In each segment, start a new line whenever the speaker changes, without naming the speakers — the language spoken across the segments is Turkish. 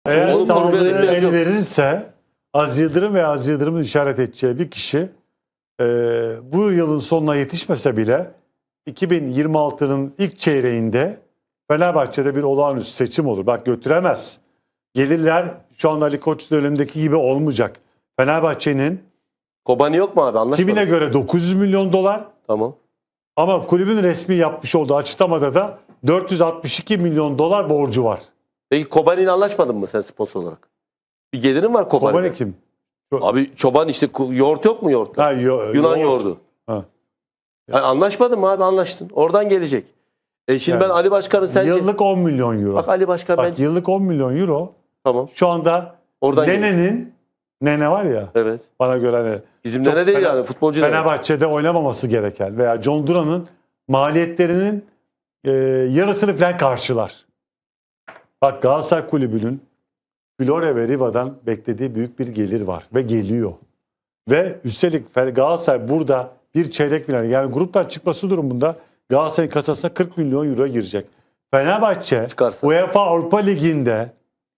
Eğer
Onu
sağlığı
korumaya ihtiyacı
el
yok.
verirse Aziz Yıldırım ve Aziz Yıldırım'ın işaret edeceği bir kişi bu yılın sonuna yetişmese bile 2026'nın ilk çeyreğinde Fenerbahçe'de bir olağanüstü seçim olur. Bak götüremez. Gelirler şu anda Ali Koç dönemindeki gibi olmayacak. Fenerbahçe'nin
Kobani yok mu abi? Anlaşmadık.
kimine göre 900 milyon dolar
Tamam.
ama kulübün resmi yapmış olduğu açıklamada da 462 milyon dolar borcu var.
Peki Kobani ile anlaşmadın mı sen sponsor olarak? Bir gelirin var Kobani'de.
Kobani kim?
Abi çoban işte yoğurt yok mu yoğurt?
Ha,
Yunan yoğurdu.
Ha.
Yani anlaşmadın mı abi? Anlaştın. Oradan gelecek. Şimdi
Yani
ben Ali Başkan'ın sence...
Yıllık 10 milyon euro.
Bak Ali Başkan
Bak
bence...
yıllık 10 milyon euro
Tamam.
şu anda
Oradan
Nene var ya
Evet.
bana göre hani
Bizim
çok
nene değil yani futbolcu nene.
Fenerbahçe'de oynamaması gereken veya John Duran'ın maliyetlerinin yarısını falan karşılar. Bak Galatasaray Kulübü'nün Flore ve Riva'dan beklediği büyük bir gelir var ve geliyor. Ve üstelik Galatasaray burada bir çeyrek final yani gruptan çıkması durumunda Galatasaray'ın kasasına 40 milyon euro girecek. Fenerbahçe
Çıkarsa.
UEFA Avrupa Ligi'nde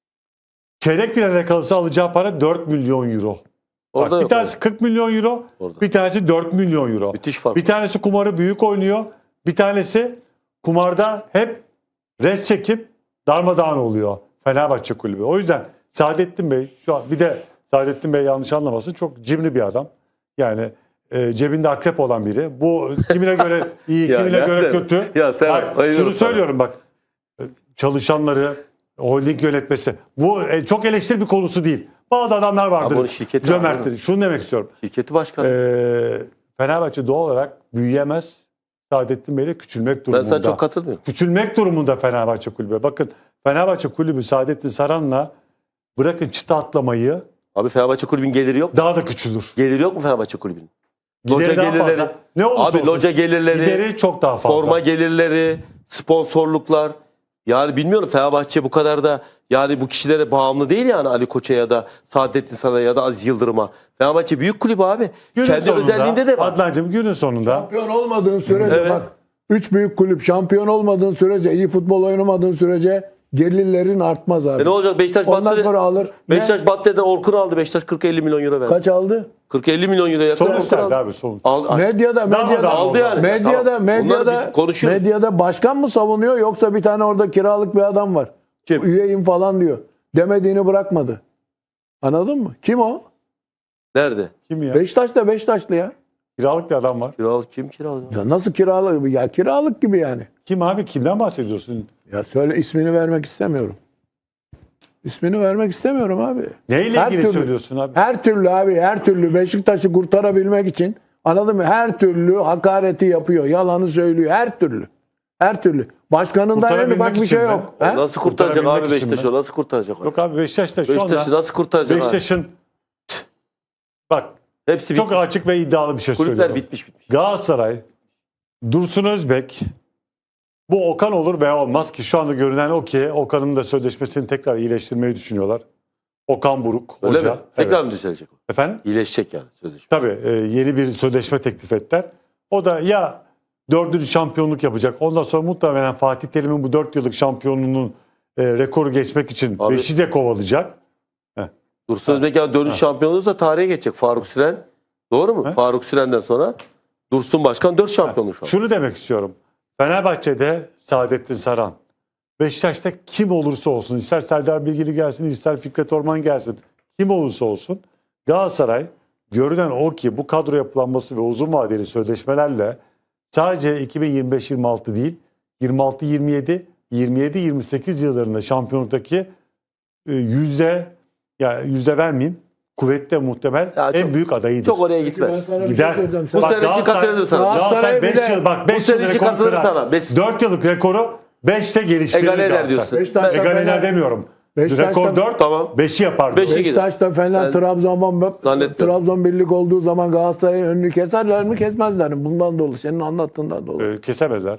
çeyrek finale kalırsa alacağı para 4 milyon euro.
Orada
Bak, bir
yok
tanesi 40 milyon euro,
Orada.
bir tanesi 4 milyon euro.
Müthiş fark.
Bir tanesi kumarı büyük oynuyor, bir tanesi kumarda hep res çekip darmadağın oluyor Fenerbahçe Kulübü. O yüzden Saadettin Bey, şu an bir de Saadettin Bey yanlış anlamasın çok cimri bir adam. Yani cebinde akrep olan biri. Bu kimine göre iyi,
Ya
kimine göre
nereden?
kötü.
Ya sen
Bak,
bayılıyorum
şunu
sana.
söylüyorum bak. Çalışanları, holding yönetmesi. Bu çok eleştiri bir konusu değil. Bazı adamlar
Ama onun
vardır.
şirketi
Cömerttir.
var.
Şunu demek istiyorum.
Şirketi başkanı.
Fenerbahçe doğal olarak büyüyemez. Saadettin Bey de küçülmek
Ben
durumunda.
sana çok katılmıyorum.
Küçülmek durumunda Fenerbahçe Kulübü. Bakın Fenerbahçe Kulübü Saadettin Saran'la bırakın çıta atlamayı
Abi Fenerbahçe Kulübü'nün geliri yok mu?
daha da küçülür.
Geliri yok mu Fenerbahçe Kulübü'nün? Loca
Gideri daha
gelirleri.
fazla. Ne olursa
Abi
olsun.
loca gelirleri,
Gideri çok daha fazla.
forma gelirleri, sponsorluklar. Yani bilmiyorum Fenerbahçe bu kadar da yani bu kişilere bağımlı değil yani Ali Koç'a ya da Saadettin Saran'a ya da Aziz Yıldırım'a. Fenerbahçe büyük kulüp abi.
Günün
Kendi
sonunda,
özelliğinde de var.
Adnancığım günün sonunda
Şampiyon olmadığın sürece
Evet.
bak 3 büyük kulüp şampiyon olmadığın sürece iyi futbol oynamadığın sürece gelirlerin artmaz abi.
Ne olacak Beşiktaş
Ondan
battı.
sonra alır. Ne?
Beşiktaş Battı'dan Orkun'u aldı. Beşiktaş 40-50 milyon euro verdi.
Kaç aldı?
40-50 milyon euro yakın
sonuç
Orkun
verdi
aldı.
abi sonuç.
Medyada
aldı yani.
Medyada
Tamam. Bunları bir konuşuyoruz.
medyada başkan mı savunuyor yoksa bir tane orada kiralık bir adam var.
Kim?
Üyeyim falan diyor. Demediğini bırakmadı. Anladın mı? Kim o?
Nerede?
Kim ya?
Beşiktaşlı ya.
Kiralık bir adam var.
Kiralık kim kiralık?
Ya nasıl kiralık? Ya kiralık gibi yani.
Kim abi? Kimden bahsediyorsun?
Ya söyle ismini vermek istemiyorum. İsmini vermek istemiyorum abi.
Neyle
Her
ilgili
türlü-
söylüyorsun abi?
Her türlü abi her türlü Beşiktaş'ı kurtarabilmek için anladın mı? Her türlü hakareti yapıyor. Yalanı söylüyor. Her türlü. Her türlü. Başkanından en
Kurtarabilmek
ufak bir
için
şey
mi?
yok. He?
Nasıl kurtaracak
Kurtarabilmek
abi
için
Beşiktaş'ı?
mi?
Nasıl kurtaracak o?
Yok abi Beşiktaş'ta şu
Beşiktaş'ı
anda
nasıl kurtaracak abi?
Beşiktaş'ın bak
Hepsi
çok
bitmiş.
açık ve iddialı bir şey
Kulüpler
söylüyorum.
bitmiş.
Galatasaray, Dursun Özbek, bu Okan olur veya olmaz ki şu anda görünen o ki Okan'ın da sözleşmesini tekrar iyileştirmeyi düşünüyorlar. Okan Buruk
Öyle
hoca.
mi? Tekrar
Evet.
mı düzelecek o?
Efendim?
İyileşecek yani sözleşme.
Tabii yeni bir sözleşme teklif ettiler. O da ya 4. şampiyonluk yapacak. Ondan sonra muhtemelen Fatih Terim'in bu 4 yıllık şampiyonluğunun rekoru geçmek için
Abi-
5'i de kovalayacak.
Dursun Özbek yani dönüş şampiyonu olursa tarihe geçecek. Faruk Süren. Doğru mu?
He?
Faruk Süren'den sonra Dursun Başkan 4 şampiyonluk şu an.
Şunu demek istiyorum. Fenerbahçe'de Saadettin Saran. Beşiktaş'ta kim olursa olsun, ister Serdar Bilgili gelsin, ister Fikret Orman gelsin, kim olursa olsun Galatasaray görünen o ki bu kadro yapılanması ve uzun vadeli sözleşmelerle sadece 2025-26 değil, 26-27, 27-28 yıllarında şampiyonluktaki yüzde vermeyeyim, kuvvetle muhtemel
Ya
en
çok-
büyük adayıdır.
Çok oraya
Ben
gitmez.
sana bir şey
Gider.
söyleyeceğim.
Bu
Sen-
sene için
Galatasaray-
katılır sana.
Galatasaray
bir
5
de-
yıl bak
bu
5
sene
yıl
için
rekor
katılır
kırar.
sana.
4 yıllık rekoru 5'te geliştirir.
Egale eder
Galatasaray.
diyorsun.
Beşiktaş'ta
Egale eder
Fener-
demiyorum.
Beşiktaş'ta-
Rekor 4,
Tamam.
5'i yapar.
Beşi gider.
Beşiktaş'ta Fener,
Ben
Trabzon
zannetmiyorum.
birlik olduğu zaman Galatasaray'ın önünü keserler mi kesmezler mi? Bundan dolayı senin anlattığından dolayı.
Kesemezler.